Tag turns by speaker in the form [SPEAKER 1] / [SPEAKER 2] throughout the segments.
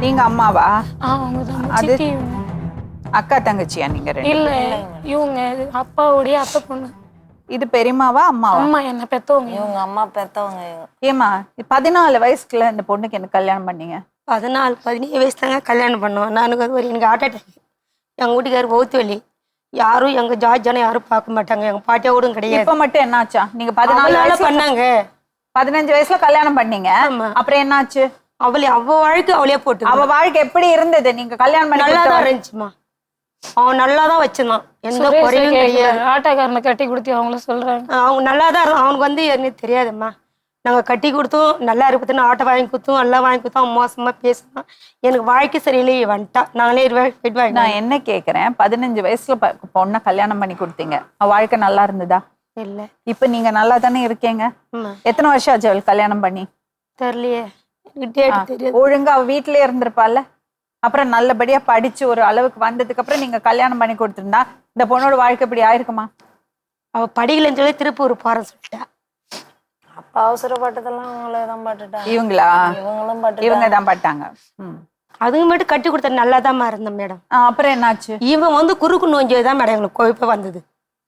[SPEAKER 1] நீங்க அம்மாவா?
[SPEAKER 2] அவங்க தான்
[SPEAKER 1] அது
[SPEAKER 2] சித்தி இவங்க.
[SPEAKER 1] அக்கா தங்கச்சியா நீங்க ரெண்டு?
[SPEAKER 2] இல்ல இவங்க அப்பாவுடைய அத்தை பொண்ணு.
[SPEAKER 1] இது பெரியம்மாவா அம்மாவா?
[SPEAKER 2] அம்மா என்ன பெத்தவங்க.
[SPEAKER 3] இவங்க அம்மா பெத்தவங்க.
[SPEAKER 1] ஏமா 14 வயசுக்குள்ள இந்த பொண்ணுக்கு என்ன கல்யாணம் பண்ணீங்க?
[SPEAKER 4] 17 வயசு தாங்க கல்யாணம் பண்ணோம். நானுக்கு ஒரு எனக்கு ஹார்ட் அட்டாக். எங்கள் வீட்டுக்காரர் பௌத்து வலி. யாரும் எங்கள் ஜார்ஜான யாரும் பார்க்க மாட்டாங்க. எங்கள் பாட்டியா கூட கிடையாது.
[SPEAKER 1] இப்ப மட்டும் என்னாச்சா? நீங்க 14 வயசுல
[SPEAKER 4] பண்ணாங்க.
[SPEAKER 1] 15 வயசுல கல்யாணம் பண்ணீங்க. அப்புறம் என்னாச்சு?
[SPEAKER 4] அவ வாழ்க்கை அவளே போட்டு.
[SPEAKER 1] அவ வாழ்க்கை எப்படி இருந்தது? நீங்க கல்யாணம் பண்ணி
[SPEAKER 4] நல்லாதான் இருந்துச்சுமா. அவன் நல்லாதான் வச்சிருந்தான். எந்த குறையும் கிடையாது.
[SPEAKER 2] ஆட்டோக்காரனை கட்டி கொடுத்து அவங்கள சொல்றாங்க.
[SPEAKER 4] அவங்க நல்லாதான் அவனுக்கு எனக்கு தெரியாதும்மா. நாங்கள் கட்டி கொடுத்தோம், நல்லா இருப்பதுன்னு ஆட்டை வாங்கி கொடுத்தோம், நல்லா வாங்கி கொடுத்தோம். மோசமாக பேசினான். எனக்கு வாழ்க்கை சரியில்லையே வந்துட்டா. நாங்களே வாங்கி.
[SPEAKER 1] நான் என்ன கேட்குறேன், 15 வயசுல பொண்ணை கல்யாணம் பண்ணி கொடுத்தீங்க, வாழ்க்கை நல்லா இருந்ததா?
[SPEAKER 4] இல்லை.
[SPEAKER 1] இப்போ நீங்க நல்லா தானே இருக்கீங்க. எத்தனை வருஷம் ஆச்சு அவள் கல்யாணம் பண்ணி?
[SPEAKER 4] தெரியலையே.
[SPEAKER 1] ஒழுங்கா அவ வீட்டிலே இருந்திருப்பால. அப்புறம் நல்லபடியா படிச்சு ஒரு அளவுக்கு வந்ததுக்கு அப்புறம் நீங்க கல்யாணம் பண்ணி கொடுத்துருந்தா இந்த பொண்ணோட வாழ்க்கை இப்படி ஆயிருக்குமா?
[SPEAKER 4] அவ படிக்கலன்னு சொல்லி திருப்பூர் போறேன்னு சொல்லிட்டா.
[SPEAKER 3] அப்பா அவசரப்பட்டதெல்லாம் அவங்களே தான் பட்டுட்டாங்க.
[SPEAKER 1] இவங்களா?
[SPEAKER 3] இவங்களும் பட்டு
[SPEAKER 1] இவங்க தான் பட்டாங்க.
[SPEAKER 4] அதுக்கு மட்டும் கட்டி கொடுத்த நல்லாதான் இருந்தேன் மேடம்.
[SPEAKER 1] அப்புறம் என்னாச்சு?
[SPEAKER 4] இவன் குறுக்கு நோஞ்சதான் மேடம் எங்களுக்கு குழப்பம் வந்தது.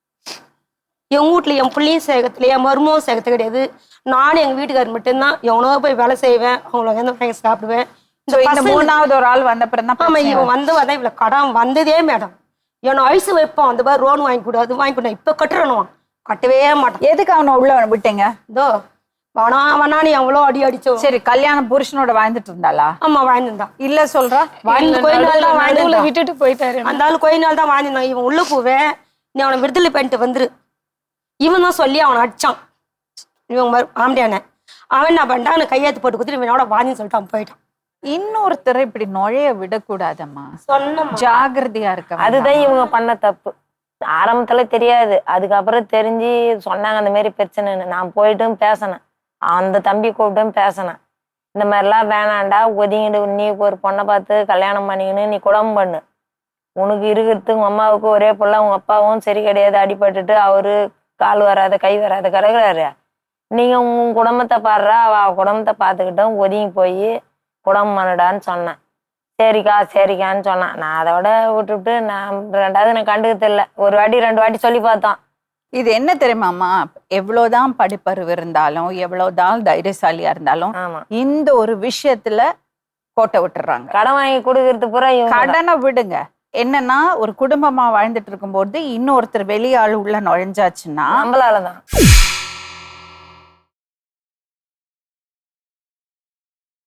[SPEAKER 4] என் வீட்டுல என் பிள்ளையும் சேகத்துல என் மருமவும் சேகத்து கிடையாது. நானும் எங்க வீட்டுக்காரர் மட்டும்தான். எவனோ போய் வேலை செய்வேன், அவங்கள வாங்கி சாப்பிடுவேன்.
[SPEAKER 1] இந்த மூணாவது ஒரு ஆள் வந்த அப்புறம் தான்.
[SPEAKER 4] ஆமா, இவன் வந்தான் இவ்வளவு கடன் வந்ததே மேடம். என் ஐசு வைப்பான், அந்த மாதிரி ரோன் வாங்கி கொடு, அது வாங்கி கொடு. இப்ப கட்டுறணும், கட்டவே மாட்டான்.
[SPEAKER 1] எதுக்கு அவனை உள்ள விட்டீங்க?
[SPEAKER 4] இதோ வனான்னு எவ்வளோ அடி அடிச்சோம்.
[SPEAKER 1] சரி, கல்யாணம் புருஷனோட வாழ்ந்துட்டு இருந்தாளா?
[SPEAKER 4] ஆமா, வாழ்ந்துருந்தான்.
[SPEAKER 1] இல்ல சொல்றா,
[SPEAKER 4] வாழ்ந்து கொஞ்ச நாள் தான் வாழ்ந்து
[SPEAKER 2] விட்டுட்டு போயிட்டாரு.
[SPEAKER 4] அந்த ஆளு கொஞ்ச நாள் தான் வாழ்ந்துருந்தான். இவன் உள்ள போவேன், நீ அவனை விடுதலை பண்ணிட்டு வந்துரு. இவன் தான் சொல்லி அவனை அடிச்சான். இவன் ஆம்படியான அவன் என்ன பண்ணிட்டான், அவனை கையெழுத்து போட்டு கொடுத்துட்டு இவனோட வாழ்ந்துன்னு சொல்லிட்டு அவன் போயிட்டான்.
[SPEAKER 1] இன்னொருத்தரை இப்படி நுழைய விடக்கூடாதம்மா,
[SPEAKER 4] சொன்ன
[SPEAKER 1] ஜாகிரதையா இருக்க.
[SPEAKER 3] அதுதான் இவங்க பண்ண தப்பு. ஆரம்பத்துல தெரியாது, அதுக்கப்புறம் தெரிஞ்சு சொன்னாங்க அந்த மாதிரி பிரச்சனைன்னு. நான் போயிட்டும் பேசினேன், அந்த தம்பி கூப்பிட்டும் பேசினேன். இந்த மாதிரிலாம் வேணாண்டா, ஒதுங்கிடு, நீ ஒரு பொண்ணை பார்த்து கல்யாணம் பண்ணிக்கின்னு நீ குடும்பம் பண்ணு. உனக்கு இருக்கிறதுக்கு உங்க அம்மாவுக்கு ஒரே பிள்ளை, உங்க அப்பாவும் சரி கிடையாது, அடிபட்டுட்டு அவரு கால் வராத கை வராத கிடக்குறாரு. நீங்க உங்க குடும்பத்தை பாடுறா, அவ குடும்பத்தை பார்த்துக்கிட்டும் ஒதுங்கி போய் குடும்பம் பண்ணுடான்னு சொன்னேன். சரிக்கா சரிக்கான்னு சொன்னான். நான் அதோட விட்டுவிட்டு நான் ரெண்டாவது நான் கண்டுக்கிறது இல்லை. ஒரு வாட்டி 2 வாட்டி சொல்லி பார்த்தோம்.
[SPEAKER 1] இது என்ன தெரியுமாம்மா, எவ்வளவுதான் படிப்பறிவு இருந்தாலும் எவ்வளவுதான் தைரியசாலியா இருந்தாலும் இந்த ஒரு விஷயத்துல கோட்டை விட்டுறாங்க.
[SPEAKER 3] கடன் வாங்கி கொடுக்கறது பூரா
[SPEAKER 1] கடனை விடுங்க. என்னன்னா, ஒரு குடும்பமா வாழ்ந்துட்டு இருக்கும்போது இன்னொருத்தர் வெளியாள் உள்ள நுழைஞ்சாச்சுன்னா
[SPEAKER 3] நம்மளாலதான்